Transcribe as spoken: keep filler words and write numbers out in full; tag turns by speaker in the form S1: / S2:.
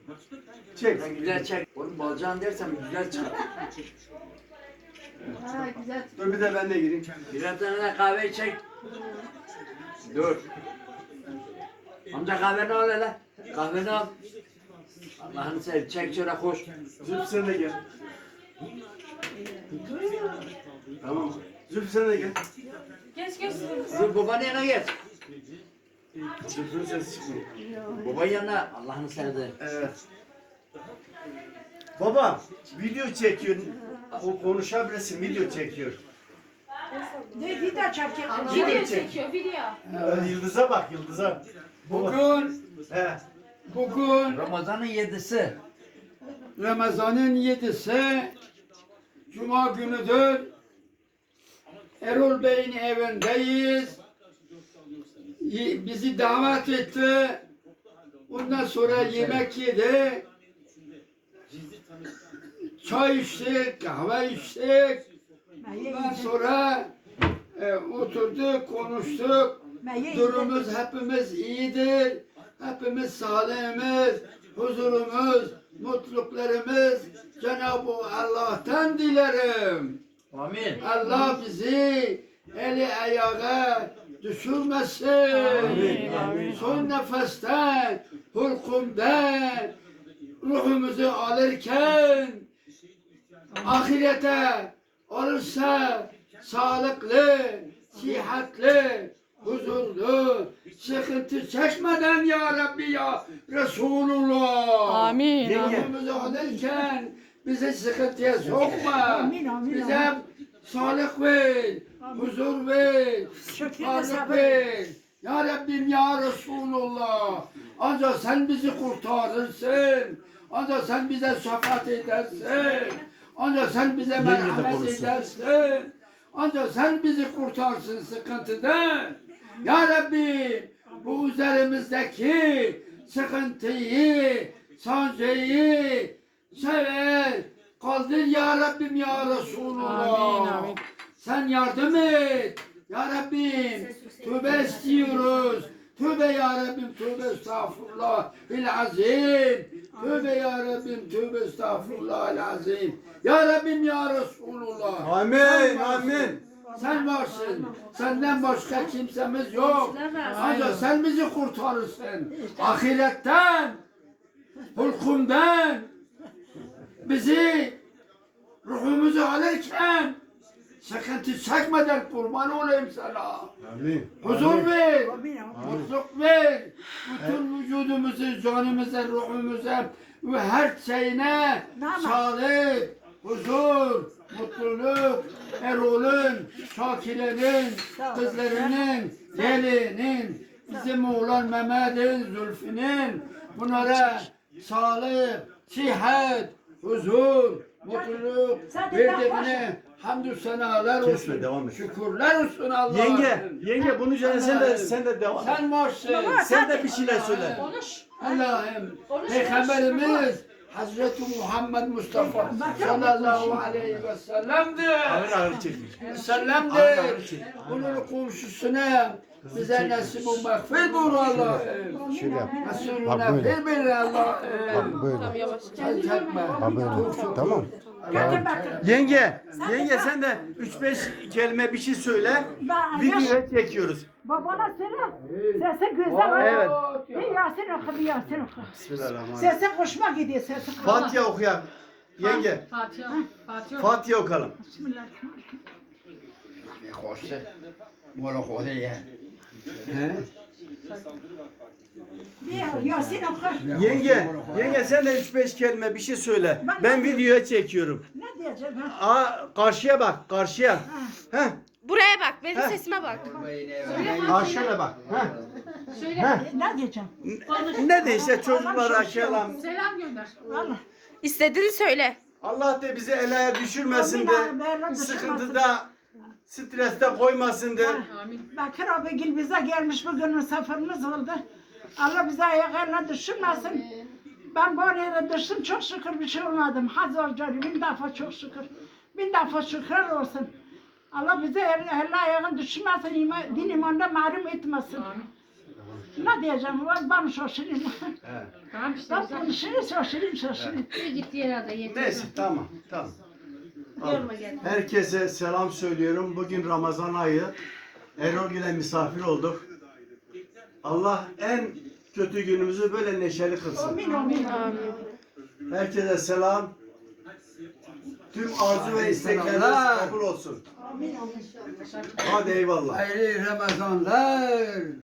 S1: Çek.
S2: Sen güzel çek. Oğlum balcan dersem güzel çıkar.
S3: Ha güzel.
S1: Dur bir de ben de gireyim.
S2: Birer tane de kahve çek. Dur. Amca kahveni al hele. Kahveni al. Allah'ını seveyim. Çek şöyle koş.
S1: Zülfü sen de gel. Tamam. Zülfü sen de gel.
S3: Geç geç.
S2: Dur babanın yanına geç.
S1: Zülfü'nün sesi çıkmıyor.
S2: Babanın yanına. Allah'ını seveyim.
S1: Evet. Baba video çekiyor. O konuşabilirsin, video çekiyor.
S3: Ne video çekiyor?
S1: Video
S3: Video
S1: çek.
S3: çekiyor video.
S1: Evet, yıldıza bak, yıldıza. Baba.
S4: Bugün,
S1: He.
S4: bugün
S2: Ramazan'ın yedisi.
S4: Ramazan'ın yedisi Cuma günüdür. Erol Bey'in evindeyiz. Y- Bizi davet etti. Ondan sonra yemek yedi. Çay içtik, kahve içtik. Ondan sonra e, oturduk, konuştuk. Durumumuz hepimiz iyidir. Hepimiz sağlığımız, huzurumuz, mutluluklarımız Cenab-ı Allah'tan dilerim.
S2: Amin.
S4: Allah bizi eli ayağa düşürmesin.
S1: Amin, amin.
S4: Son nefesten, hulkumdan ruhumuzu alırken ahirete olursa sağlıklı, sıhhatli, huzurlu, sıkıntı çekmeden ya Rabbi ya Resulullah.
S5: Amin.
S4: Ruhumuzu alırken bizi sıkıntıya sokma. Bize sağlık ver, huzur ver, sağlık ver. Ya Rabbim ya Resulullah. Ancak sen bizi kurtarırsın. Ancak sen bize şefaat edersin. Ancak sen bize merhamet edersin. Ancak sen bizi kurtarsın sıkıntıdan. Ya Rabbi bu üzerimizdeki sıkıntıyı, sancıyı sever. Kaldır ya Rabbim ya Resulullah.
S5: Amin, amin.
S4: Sen yardım et. Ya Rabbim tövbe istiyoruz. Tövbe ya Rabbim, tövbe estağfurullah azim. Tövbe ya Rabbim, tövbe estağfurullah azim. Ya Rabbim ya Resulullah.
S1: Amin,
S4: Sen varsın.
S1: amin.
S4: Sen varsın. Senden başka kimsemiz yok. Ancak sen bizi kurtarırsın. Ahiretten, hulkumdan bizi ruhumuzu alırken sıkıntı çekmeden kurban olayım sana.
S1: Amin.
S4: Huzur ver, mutluluk ver. Bütün vücudumuzu, canımıza, ruhumuza ve her şeyine sağlık, huzur, mutluluk, Erol'un, Şakire'nin, kızlarının, gelinin, bizim oğlan Mehmet'in, Zülfü'nün bunlara sağlık, sıhhat, huzur, mutluluk verdiğine hamdü senalar olsun.
S1: Kesme, devam et.
S4: Şükürler olsun Allah'a.
S1: Yenge, yenge bunun üzerine sen de sen de devam et.
S4: Sen varsın.
S1: Sen de bir şeyler söyle.
S4: Allah'ım Peygamberimiz Hazreti Muhammed Mustafa sallallahu aleyhi ve sellem'dir.
S1: Ağır ağır çekin.
S4: Sellem'dir. Bunun komşusuna bize nasip o mağfiret bul Allah'ım.
S6: Şöyle yap.
S4: Resulüne ver bir Allah'ım.
S6: Böyle.
S4: Sen çekme.
S6: Ha böyle. Tamam.
S1: Yenge, yenge sen de üç beş kelime bir şey söyle. Videoya çekiyoruz.
S7: Babana söyle. Sesi güzel.
S1: Evet.
S7: Bir Yasin oku, bir Yasin oku.
S1: Bismillahirrahmanirrahim.
S7: Sesi hoşuma gidiyor, sesi.
S1: Fatiha okuyak. Yenge,
S3: Fatiha. Fatiha.
S1: Fatiha okalım.
S7: Bismillahirrahmanirrahim.
S4: Hoşça. Mola koyuyor.
S7: Bir Yasin oku.
S1: Yenge, yenge sen de üç beş kelime bir şey söyle. Ben videoya çekiyorum.
S7: Ne diyeceğim ben?
S1: Aa, karşıya bak, karşıya. Heh,
S5: Buraya bak, benim
S1: Heh.
S5: sesime bak.
S1: karşıya bak. Heh.
S7: Söyle. Ne diyeceğim?
S1: Ne de işte çocuklara kelam.
S3: Selam gönder.
S7: Allah.
S5: İstediğini söyle.
S1: Allah da bizi elaya düşürmesin de, sıkıntıda, streste koymasın de.
S7: Bakır abi gel bize gelmiş bugün misafirimiz oldu. Allah bize ayaklarına düşürmesin. Ben bu araya düştüm çok şükür bir şey olmadım. Hazır canım bin defa çok şükür. Bin defa şükür olsun. Allah bize el, el ayağın düşürmesin, iman, din imanda mahrum etmesin. Ne diyeceğim? Ben, ben şaşırayım.
S1: He.
S3: Tamam işte
S7: Ben
S3: güzel.
S7: konuşayım, şaşırayım, şaşırayım.
S3: Bir git yere de yeter.
S1: Neyse tamam tamam.
S3: Yorma gel.
S1: Herkese selam söylüyorum. Bugün Ramazan ayı. Erol ile misafir olduk. Allah en kötü günümüzü böyle neşeli kılsın.
S7: Amin, amin.
S1: Herkese selam. Tüm arzu ve istekleriniz
S4: Selamlar.
S1: kabul olsun. Hadi eyvallah.
S4: Hayırlı Ramazanlar.